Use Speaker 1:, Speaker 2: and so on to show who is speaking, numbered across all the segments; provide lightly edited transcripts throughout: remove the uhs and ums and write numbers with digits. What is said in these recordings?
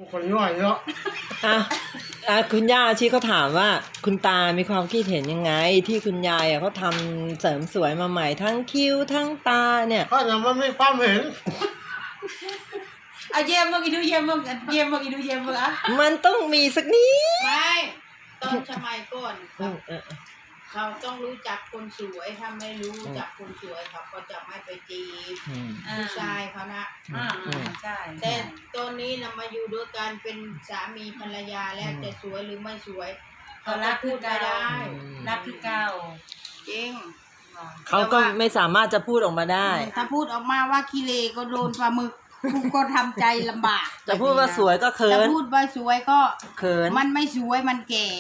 Speaker 1: คนย่อยเนาะ
Speaker 2: คุณย่าอาชีเขาถามว่าคุณตามีความคิดเห็นยังไงที่คุณยายเขาทำเสริมสวยมาใหม่ทั้งคิ้วทั้งตาเนี่ย
Speaker 1: ก็ยังไม่ความเห็น
Speaker 3: เอาเยี่ยมมึงอีดูเยี่ยมมึงเยี่ยมมึงอีดูเยี่ยมมึงอ่ะ
Speaker 2: มันต้องมีสักนิด
Speaker 4: ไม่ตอนสมัยก่อนเขาต้องรู้จักคนสวยถ้าไม่รู้จักคนสวยเขาก็จะไม่ไปจีบผู้ชายเขานะ
Speaker 3: ใช่
Speaker 4: แต่ตอนนี้นะมาอยู่ด้วยกันเป็นสามีภรรยาแล้วจะสวยหรือไม่สวยเขารักพูดไม่ได้
Speaker 3: รักคือเก่า
Speaker 4: จริง
Speaker 2: เขาก็ไม่สามารถจะพูดออกมาได้
Speaker 4: ถ้าพูดออกมาว่าขี้เลก็โดนปลาหมึกกูก็ทำใจลำบาก
Speaker 2: จะพูดว่าสวยก็เขิน
Speaker 4: จะพูดว่าสวยก็
Speaker 2: เขิน
Speaker 4: มันไม่สวยมันแก่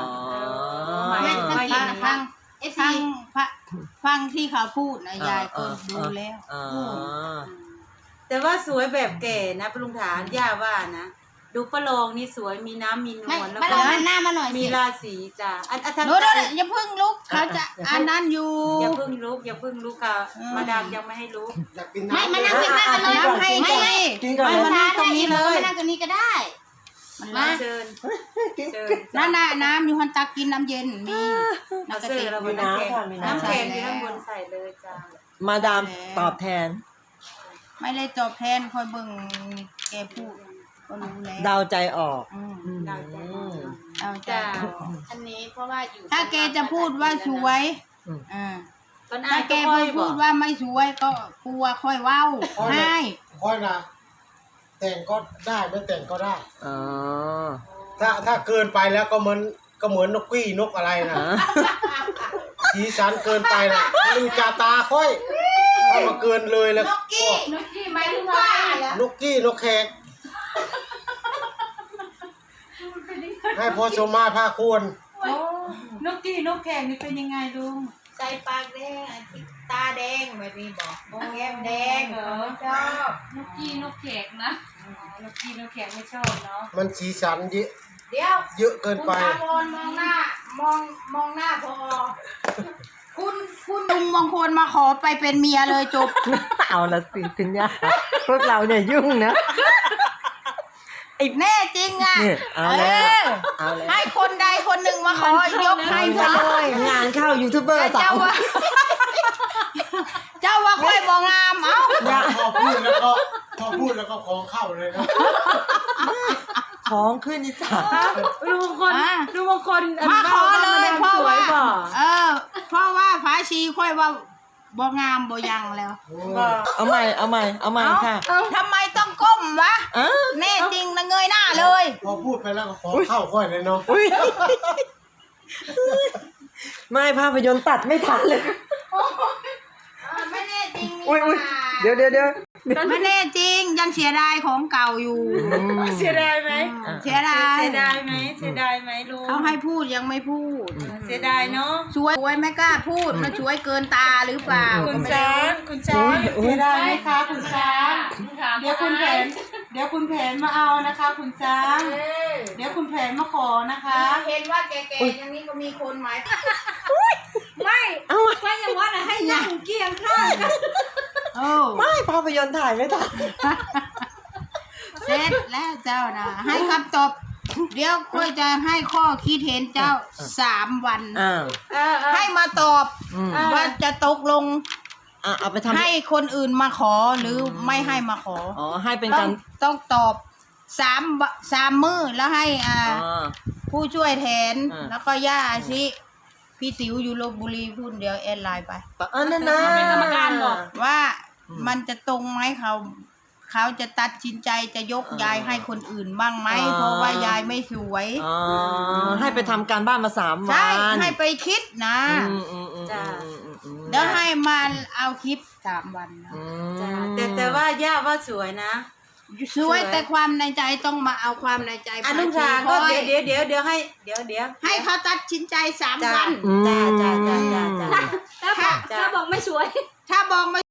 Speaker 4: ฟังที่เขาพูดนะยายก็ดูแล้ว
Speaker 3: แต่ว่าสวยแบบแก่นะปรุงฐานย่าว่านะดูประโลงนี่สวยมีน้ำมีนวลแล้วก็
Speaker 4: หน้ามาหน่อย
Speaker 3: มีราศีจ้ะ
Speaker 4: โน้ตอย่าเพิ่งลุกเขาจะอันนั้นอยู่
Speaker 3: อย่าเพิ่งลุกค่ะมาดามยังไม่ให้ลุก
Speaker 4: ไม่มานั่งข้างๆเลยไม่มานั่งตรงนี้เลยมานั่งตรงนี้ก็ได้
Speaker 3: มาเชิญ
Speaker 4: น้ำอยู่ฮันตักกินน้ำเย็นมี
Speaker 3: น้ำเสื้อเราบนน้ำแข็งที่ข้างบนใส่เลยจ้า
Speaker 2: มาดามตอบแทน
Speaker 4: ไม่ได้ตอบแทนคอยเบิ่งแกพูดก็รู้แล้ว
Speaker 2: เดาใจออก
Speaker 3: เดาใจ
Speaker 4: อันนี้เพราะว่าอยู่ถ้าแกจะพูดว่าสวยถ้าแกพูดว่าไม่สวยก็กลัวค่อยเว้าให้
Speaker 1: ค่อยนะแต่งก็ได้ไม่แต่งก็ได้ถ้าเกินไปแล้วก็เหมือนนกกี้นกอะไรนะสีสันเกินไปนะดูจาตาค่อยถ้ามาเกินเลยแล้ว
Speaker 4: นกกี้หมายถึงว่าน
Speaker 1: กกี้นกแขกให้พอชมมาผ้าควร
Speaker 3: นกกี้นกแขกนี่เป็นยังไงลุง
Speaker 4: ใจปากแดงตาแดงแบบนี้บอกแก้มแดงชอบ
Speaker 3: นกกี้นกแขกนะนกกี้นกแขกไม่ชอบเนาะ
Speaker 1: มันสีสันเยอะเกินไป
Speaker 4: คุณมองหน้าพอคุณลุงมงคลมาขอไปเป็นเมียเลยจบ
Speaker 2: เอาละสิคุณย่าพวกเราเนี่ยยุ่งนะ
Speaker 4: แน่จริงอ่ะให้คนใดคนหนึ่งมาขอยกให้ไปเลย
Speaker 2: งานเข้ายูทูบเบอร์สาว
Speaker 4: เจ้าว่าค่อยมองงาม
Speaker 1: พอพูดแล้วก็ของเข้าเลยนะ
Speaker 2: ของขึ้นอีสาน
Speaker 3: ลุงมงคล
Speaker 4: มาขอเลยเพราะว่าพระชีค่อยว่าบ่งามบ่ยังแล้ว
Speaker 2: เอาใหม่ค่ะ
Speaker 4: ทำไมต้องก้มวะแน่จริงนะเงยหน้าเลย
Speaker 1: พอพูดไปแล้วก็ขอเข้าค่อยเลยเนาะ
Speaker 2: ไม่ภาพยนตร์ตัดไม่ทันเลย
Speaker 4: ไม่แน่จริง
Speaker 2: เดี๋ยว
Speaker 4: ไม่แน่จริงยังเสียดายของเก่าอยู่
Speaker 3: เสียดายไหม
Speaker 4: เสียดาย
Speaker 3: ไหมลุง
Speaker 4: เขาให้พูดยังไม่พูด
Speaker 3: เสียดายเนาะ
Speaker 4: ช่วยไม่กล้าพูดมันช่วยเกินตาหรือเปล่า
Speaker 3: คุณช้างเสียดายไหมคะคุณช้างเดี๋ยวคุณแผนมาเอานะคะคุณช้างเดี๋ยวคุณแผนมาขอนะคะ
Speaker 4: เห็นว่าแก่ๆอย่างนี้ก็มีคนหมายไม่อย่างว่าให้นั่งเกียงข้าง
Speaker 2: ไม่ภาพยนตร์ถ่ายไม่ทัน
Speaker 4: เสร็จแล้วเจ้านะให้คำตอบเดี๋ยวค่อยจะให้ข้อคิดเห็นเจ้า3 วันให้มาตอบว่าจะตกลง
Speaker 2: เอาไปทำ
Speaker 4: ให้คนอื่นมาขอหรือไม่ให้มาขอ
Speaker 2: ให้เป็นการ
Speaker 4: ต้องตอบ3 มื้อแล้วให้ผู้ช่วยแทนแล้วก็ย่าอาชิพี่ติ๋วอยู่ลพบุรีพูดเดี๋ยวแอดไลน์ไป
Speaker 2: นั่นนะ
Speaker 3: เป็นกรรมการบอก
Speaker 4: ว่ามันจะตรงไหมเขาจะตัดสินใจจะยกยายให้คนอื่นบ้างไหมเพราะว่ายายไม่สวย
Speaker 2: ให้ไปทำการบ้านมา3 วัน
Speaker 4: ใช่ให้ไปคิดนะเดี๋ยวให้มาเอาคลิป3 วันนะ
Speaker 3: แต่ว่าย่าว่าสวยนะ
Speaker 4: สวยแต่ความในใจต้องมาเอาความในใจ
Speaker 3: ลุงชาก็เดี๋ยว
Speaker 4: ให้เขาตัดสินใจ3 วัน
Speaker 3: จ้า
Speaker 4: ถ้าบอกไม่สวยถ้าบอกไม่